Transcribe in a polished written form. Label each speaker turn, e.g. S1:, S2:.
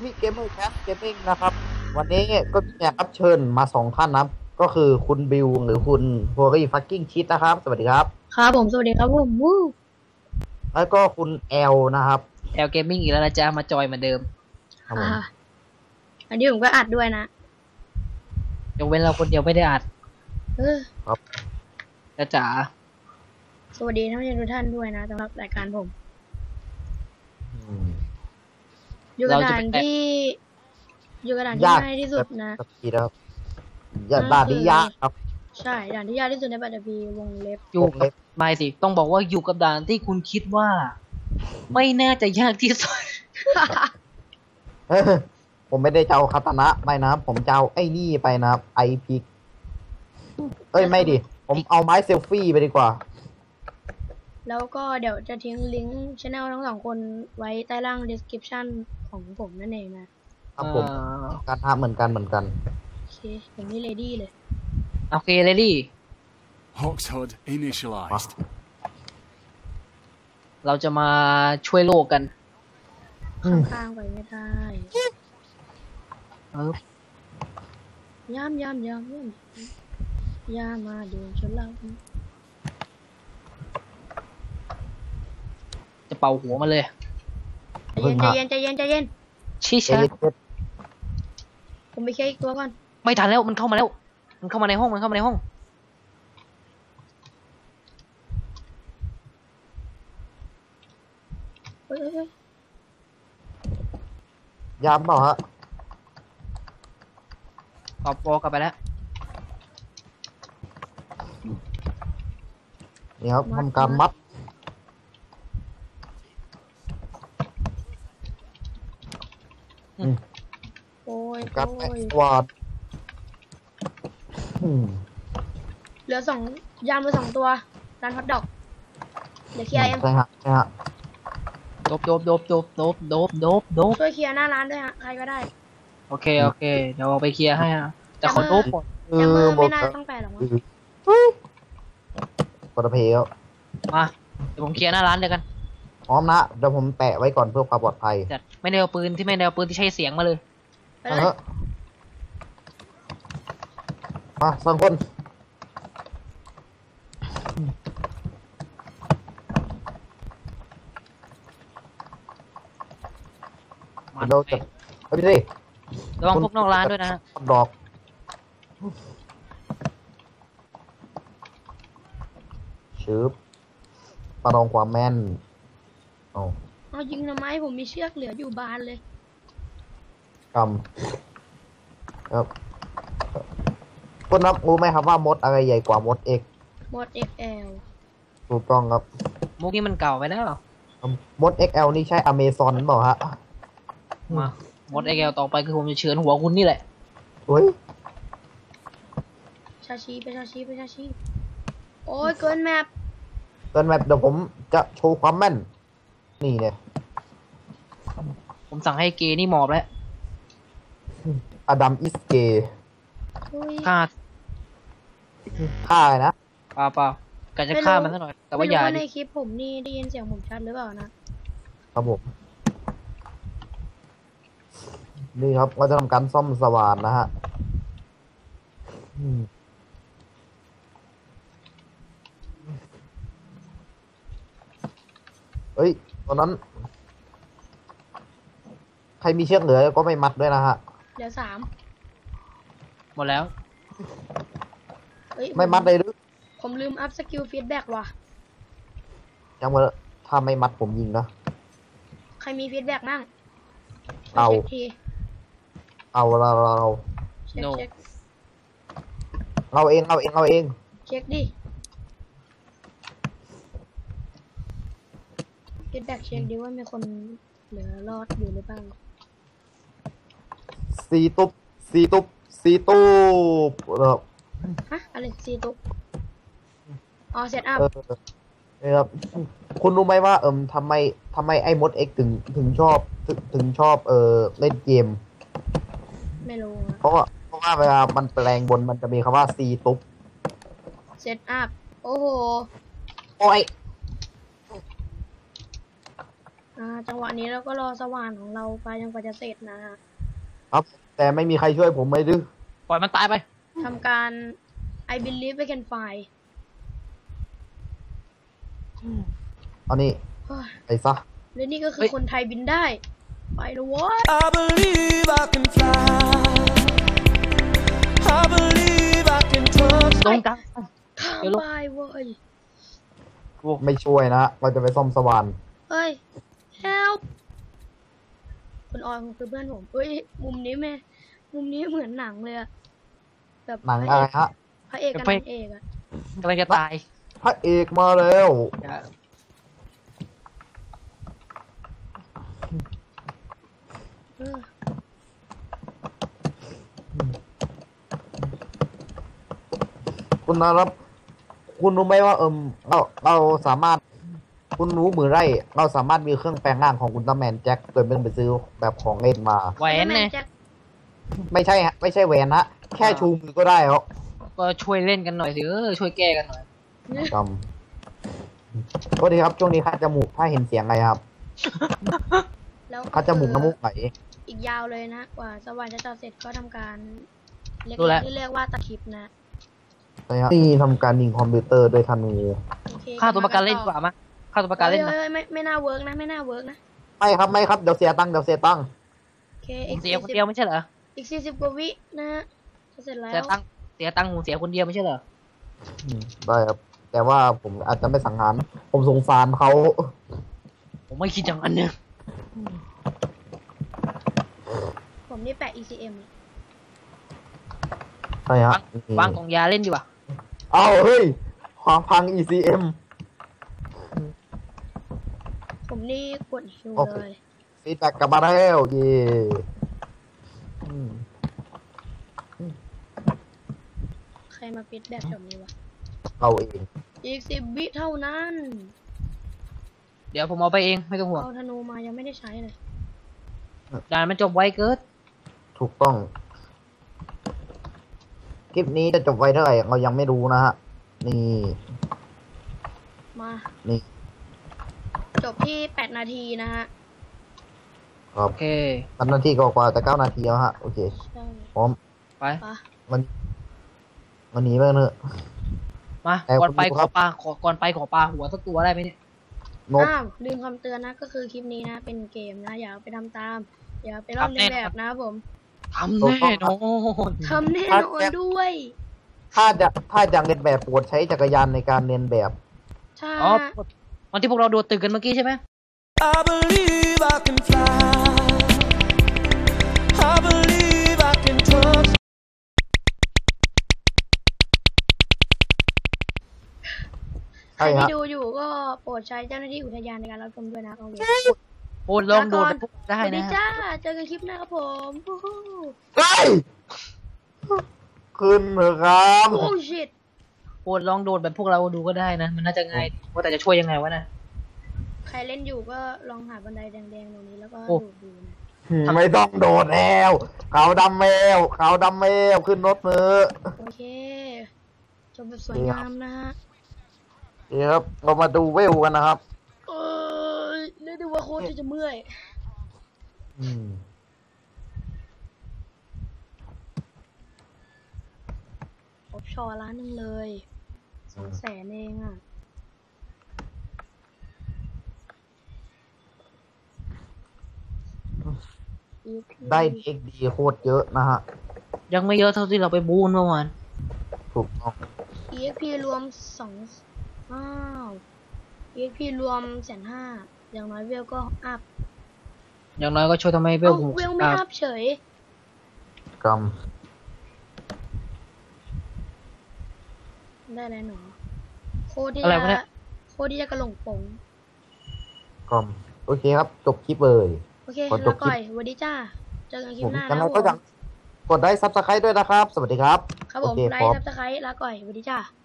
S1: พี่เกมเมอร์แคสเกมมิ่งนะครับ วันนี้ก็มีแขกรับเชิญมา2 ท่านนะครับก็คือคุณบิวหรือคุณโฮรี่ฟักกิ้งชิดนะครับ สวัสดีครับ
S2: ครับผมสวัสดีครับผมวู้
S1: แล้วก็คุณแอลนะครับ
S3: แอลเกมมิ่งอีกแล้วนะจ๊ะมาจอยเหมือนเดิม
S1: ครับผ
S2: ฮ่า
S1: ม
S2: อันนี้ผมก็อัดด้วยนะ
S3: ยกเว้นเราคนเดียวไม่ได้อัด
S2: เออ
S1: ครับ
S3: นะจ๋า
S2: สวัสดีท่านผู้ชมทุกท่านด้วยนะสำหรับรายการผม
S1: อืม
S2: อยู่กระดานที่อยู่กระดานที่ง่ายที่สุดนะ
S1: สักทีนะครับอย่าด่าดิยากครับ
S2: ใช่ด่านที่ยากที่สุดในปัตตภีวงเล็บ
S3: อยู่กับไม่สิต้องบอกว่าอยู่กับด่านที่คุณคิดว่า ไม่น่าจะยากที่สุด
S1: เออผมไม่ได้เจ้าคาตานะไปนะครับผมเจ้าไอ้นี่ไปนะครับไอพิกเอ้ยไม่ดิผมเอาไม้เซลฟี่ไปดีกว่า
S2: แล้วก็เดี๋ยวจะทิ้งลิงก์ช anel ทั้งสองคนไว้ใต้ล่าง description ของผมนั่นเองนะครับ
S1: ผมการทำเหมือนกัน
S2: โอเคผมนี่ ready เลย
S3: โอเคเลยดิ
S4: Hox HUD initialized.
S3: เราจะมาช่วยโลกกัน
S2: ข้างๆไปไม่ได้ ย่ามมาเดินชนเรา
S3: จะเป่าหัวมาเลย
S2: ใจเย็น
S3: ชิ
S1: เอ
S3: ชะ
S1: ลิเทส
S2: ผมไปเคลียร์อีกตัวก่อน
S3: ไม่ทันแล้วมันเข้ามาแล้ว มันเข้ามาในห้องมันเข้ามาในห้อง
S2: เฮ้ย
S1: ยามเปล่าฮะ
S3: ตอบกลับไปแล้ว
S1: นี่ครับทำการมัด
S2: โอ้ย
S1: การแอกสวาด
S2: เหลือยามเหลือ2 ตัวร้านฮอทดอกเดี๋ยวเคลียร์เอง
S1: ใช่ฮะ
S3: โดบ
S2: ช่วยเคลียร์หน้าร้านด้วยฮะใครก็ได้
S3: โอเคเดี๋ยวเอาไปเคลียร์ให้อะแต่ขอโดบก่อน
S2: แต่มือไม่น่าต้องแปลหรอกมั้ง
S1: ปลเพล
S3: มาเดี๋ยวผมเคลียร์หน้าร้านเลยกัน
S1: พร้อมนะเดี๋ยวผมแปะไว้ก่อนเพื่อความปลอดภัย
S3: จัดไม่ได้เอาปืนที่ใช้เสียงมาเลย
S2: ไปเลย
S1: มาสองคน
S3: มัน
S1: เราจะเฮ้ยพี่ดิ
S3: ระวังพวกนอกร้านด้วยนะฮะ
S1: ดอกชืบประลองความแม่นเอา
S2: เอายิงทำไมผมมีเชือกเหลืออยู่บานเลย
S1: กำครับคุณนับรู้ไหมครับว่ามดอะไรใหญ่กว่ามดเอก
S2: หมด XL
S1: ถูกต้องครับ
S3: มุกนี้มันเก่าไปแล้ว
S1: มด XL นี่ใช่อเมซอนเปล่าฮะ
S3: มาหมดไอแกวต่อไปคือผมจะเฉือนหัวคุณนี่แหละ
S1: เฮ้ย
S2: ชาชีโอ้ยเกินแมป
S1: เกินแมปเดี๋ยวผมจะโชว์ความแม่น นี่เนี่ย
S3: ผมสั่งให้เกย์นี่หมอบแล้ว
S1: อดัมอิสเก
S2: อุ้ย
S3: ฆ่า
S1: ฆ่าเลยนะ
S3: เปล่ากะจะฆ่ามันซะหน่อย แต่ว่าอย่า
S2: ไม่รู้
S3: ดิ
S2: ในคลิปผมนี่ได้ยินเสียงผมชัดหรือเปล่านะครับ
S1: ผม นี่ครับเราจะทำการซ่อมสว่านนะฮะเฮ้ยตอนนั้น ใครมีเชือกเหลือก็ไม่มัดด้วยนะฮะ
S2: เหลือ3
S3: หมดแล้ว
S2: เอ้ย
S1: ไม่มัดเลยหรือ
S2: ผมลืมอัพสกิลฟีดแบ็กว่ะ
S1: จังหวะถ้าไม่มัดผมยิงนะ
S2: ใครมีฟีดแบ็กมั่ง
S1: เอา
S2: ช็คที
S1: เอาเรา
S2: เช็ค
S3: No
S2: เช็ค
S1: เราเอง
S2: เช็คดิฟีดแบ็กเช็คดิว่ามีคนเหลือรอดอยู่หรือเปล่า
S1: สีตุ๊บครับ
S2: ฮะอะไรซีตุกอ๋อเซตอัพ
S1: นี่ครับคุณรู้ไหมว่าทำไมไอ้มดเอ็กถึงชอบเล่นเกม
S2: ไม่รู้
S1: เพราะว่าเวลามันแปลงบนมันจะมีคำว่าซีตุ๊บ
S2: เซตอัพโอ้โห
S1: โอ้ย
S2: จังหวะนี้เราก็รอสว่านของเราไปจนกว่าจะเสร็จนะฮะ
S1: ครับ แต่ไม่มีใครช่วยผมไม่ดื้อ
S3: ปล่อยมันตายไป
S2: ทำการ I believe we can fly
S1: เอานี่
S2: เฮ้ย
S1: ไปซะ
S2: และนี่ก็คื
S3: เฮ้
S2: อย คนไทยบินได้ ไปเลยเวะ
S5: I believe I can fly. I believe I can touch.
S3: ลงกลาง
S2: ข้าม
S3: เดี๋ยวลง
S2: ไปเว้ย
S1: ไม่ช่วยนะ เราจะไปซ่อมสว่าน
S2: เฮ้ย help คุณออยคือเพื่อนผมเฮ้ย มุมนี้มุมนี้เหมือนหนังเลยอะแบบ
S1: หนังอะไรฮะ
S2: พระเอกกับนางเอกอะ
S3: กำลังจะตาย
S1: พระเอกมาแล้ว
S2: เออ
S1: คุณนะครับ คุณรู้ไหมว่าเราสามารถ คุณรู้มือไร่ เราสามารถมีเครื่องแปลงร่างของอุลตร้าแมนแจ็คโดยไม่ต้องไปซื้อแบบของเล่นมา
S3: แหวนเนี่ย
S2: แจ็ค
S1: ไม่ใช่ฮะไม่ใช่แหวนฮะแค่ชูมือก็ได้ครับ
S3: ก็ช่วยเล่นกันหน่อยสิช่วยแก้กันหน่อย
S1: จำก็ดีครับช่วงนี้คัดจมูกถ้าเห็นเสียงอะไรครับ
S2: แล้วก็
S1: คัดจมูกน้ำมูกไหล
S2: อีกยาวเลยนะ กว่าสว่านจะจอดเสร็จก็ทำการเล็ก
S3: รู้แล้ว
S2: ๆที่เรียกว่าตะคริปนะ
S1: ใช่ครับนี่ทำการยิงคอมพิวเตอร์ด้วยธนู
S2: โอเค
S3: ฆ่าตัวประกันเล่นดีกว่ามั้ยฆ่าตัวประกันเล่น
S2: เฮ้
S3: นะ
S2: ยไม่น่าเวิร์กนะ ไม่น่าเวิร์กนะ
S1: ไม่ครับเดี๋ยวเสียตังค์
S2: โอเค
S3: ผ
S2: อี
S3: ม
S2: ก
S3: เสียคนเดียวไม่ใช่เหรอ
S2: อีก40 กว่าวินะฮะจะเสร็จแล้ว
S3: เสียตังค์ผมเสียคนเดียวไม่ใช่เหรอ
S1: ได้ครับ แต่ว่าผมอาจจะไม่สังหาร ผมสงสารเขา
S3: ผมไม่คิดอย่างนั้นเนี่ย
S2: ผมนี่แปะ ECM
S1: ใช่ฮะ
S3: วางกล่องยาเล่นดีกว่า
S1: เอาเฮ้ยความพัง ECM
S2: ผมนี่กดฮิว
S1: โอเค
S2: เลย
S1: ฟีดแบ็กกลับมาแล้วเย่อืม
S2: ใครมาปิดแบบแบบนี้วะ
S1: เราเอง
S2: อีก10 วิเท่านั้น
S3: เดี๋ยวผมเอาไปเองไม่ต้องห่วง
S2: เอาธนูมายังไม่ได้ใช้เลย
S3: ด่านมันจบไวเกิน
S1: ถูกต้อง คลิปนี้จะจบไว้เท่าไหร่เรายังไม่รู้นะฮะ นี่
S2: มา
S1: นี่
S2: จบที่8 นาทีนะฮะ
S1: ครับ
S3: โอเค
S1: 3 นาทีกว่าๆจะ9 นาทีแล้วฮะ โอเค
S2: ใช่
S1: พร้อม
S3: ไป
S2: ปะ
S1: วันนี้ไปเถอะ
S3: มา
S1: แต่
S3: ก่อนไป
S1: คุณ
S3: ข
S1: ครั
S3: อบ ปลาก่อนไปขอปลาหัวสักตัวได้ไหมเนี่ย
S1: นก
S2: อ้าวลืมคำเตือนนะ ก็คือคลิปนี้นะ เป็นเกมนะ อย่าเอาไปทำตาม อย่าไปลอกเลียนแบบนะครับผม
S3: ทำแน่นอน
S2: ทำแน่นอนด้วย
S1: ถ้าจะเรียนแบบโปรดใช้จักรยานในการเรียนแบบ
S2: ใช่
S3: อ๋อ
S2: ฮะ
S3: วันที่พวกเราโดดตึกกันเมื่อกี้ใช่ไหม
S5: I believe I can fly. I believe I can touch.
S2: ใคร
S1: ใช่
S2: ที่
S1: ฮะ
S2: ดูอยู่ก็โปรดใช้เจ้าหน้าที่อุทยานในการรับชมด้วยนะโอเค
S3: โอ้ลองโดดกับพวกได้
S2: สวัสดี
S3: นะ
S2: จ้า เจอกันคลิปหน้าครับผมวู้ฮู้
S1: เฮ้ยขึ้นเถอะครับ
S2: โอ้ชิต
S3: โอ้ลองโดดแบบพวกเราดูก็ได้นะ มันน่าจะง่ายว่าแต่จะช่วยยังไงวะนะ
S2: ใครเล่นอยู่ก็ลองหาบันไดแดงๆตรงนี้แล้วก็
S3: โอ้
S2: ดูดูนะ
S1: ไม่ต้องโดดแล้วเขาดำแมวขึ้นรถมือ
S2: โอเค จบแบบสวยงามนะฮะ
S1: เดี๋ยวครับเรามาดูเวลกันนะครับ
S2: เออเรียกได้ว่าโคตรจะเมื่อย
S1: อืม
S2: ออฟชอร์ร้านหนึงเลย200,000เองอ่ะ
S1: ได้เอ็กดีโคตรเยอะนะฮะ
S3: ยังไม่เยอะเท่าที่เราไปบูนเมื่อวาน
S1: ถูกต้อง
S2: EXP รวม2อ้าว EXP รวม150,000อย่างน้อยเวลก็อัพ
S3: อย่างน้อยก็ช่วยทำให้เว
S2: เอ้า
S3: ลหู
S2: เวลไม่อัพเฉย
S1: กรรม
S2: ได้แล้วหนอโคตรที่
S3: อะไรวะเนี่
S2: จะ
S3: ย
S2: โคตรที่จะกระหลงปง
S1: กรรมโอเคครับ จบคลิปเลย
S2: โอเค
S1: ขอจ
S2: แล้
S1: บ
S2: ว
S1: คลิป
S2: ก่อยสวัสดีจ้า เจอกันคลิ
S1: ผ
S2: ป
S1: ม
S2: หน้า
S1: ยัง
S2: นะ
S1: ไง
S2: ครับผ
S1: ก็
S2: ม
S1: ยังกดไลค์ซับสไครต์ด้วยนะครับ สวัสดีครับ
S2: ครับผม
S1: โอเค
S2: ไล
S1: พร้อ
S2: ค์
S1: ม
S2: ซับสไครต์ลาก่อยสวัสดีจ้า